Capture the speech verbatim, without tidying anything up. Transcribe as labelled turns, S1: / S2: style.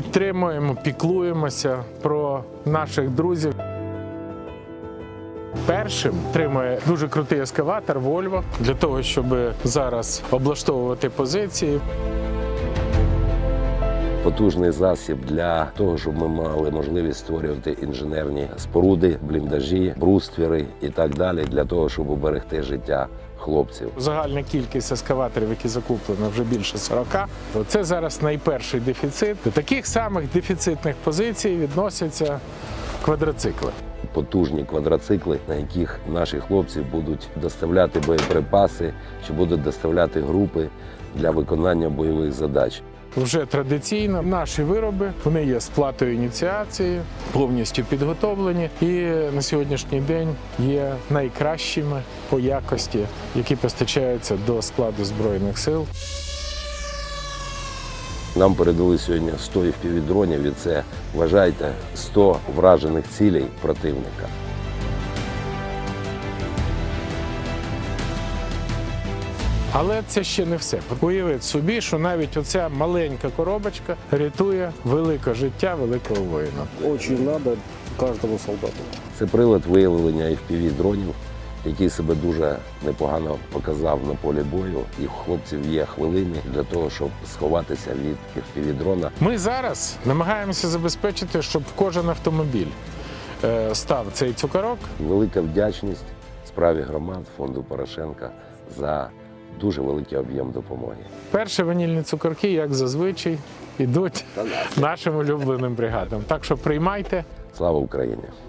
S1: підтримуємо, піклуємося про наших друзів. Першим тримає дуже крутий ескаватор Volvo для того, щоб зараз облаштовувати позиції.
S2: Потужний засіб для того, щоб ми мали можливість створювати інженерні споруди, бліндажі, бруствіри і так далі, для того, щоб уберегти життя хлопців.
S1: Загальна кількість ескаваторів, які закуплено, вже більше сорока. Це зараз найперший дефіцит. До таких самих дефіцитних позицій відносяться квадроцикли.
S2: Потужні квадроцикли, на яких наші хлопці будуть доставляти боєприпаси, чи будуть доставляти групи для виконання бойових задач.
S1: Вже традиційно наші вироби, вони є з платою ініціації, повністю підготовлені і на сьогоднішній день є найкращими по якості, які постачаються до складу Збройних сил.
S2: Нам передали сьогодні сто еф пі ві-дронів, і це, вважайте, сто вражених цілей противника.
S1: Але це ще не все. Уявіть собі, що навіть оця маленька коробочка рятує велике життя великого воїна.
S3: Очень треба кожному солдату.
S2: Це прилад виявлення еф пі ві-дронів, який себе дуже непогано показав на полі бою. І у хлопців є хвилини для того, щоб сховатися від еф пі ві-дрона.
S1: Ми зараз намагаємося забезпечити, щоб в кожен автомобіль е, став цей цукорок.
S2: Велика вдячність справі громад фонду Порошенка за дуже великий об'єм допомоги.
S1: Перші ванільні цукорки, як зазвичай, йдуть нашим улюбленим бригадам. Так що приймайте.
S2: Слава Україні!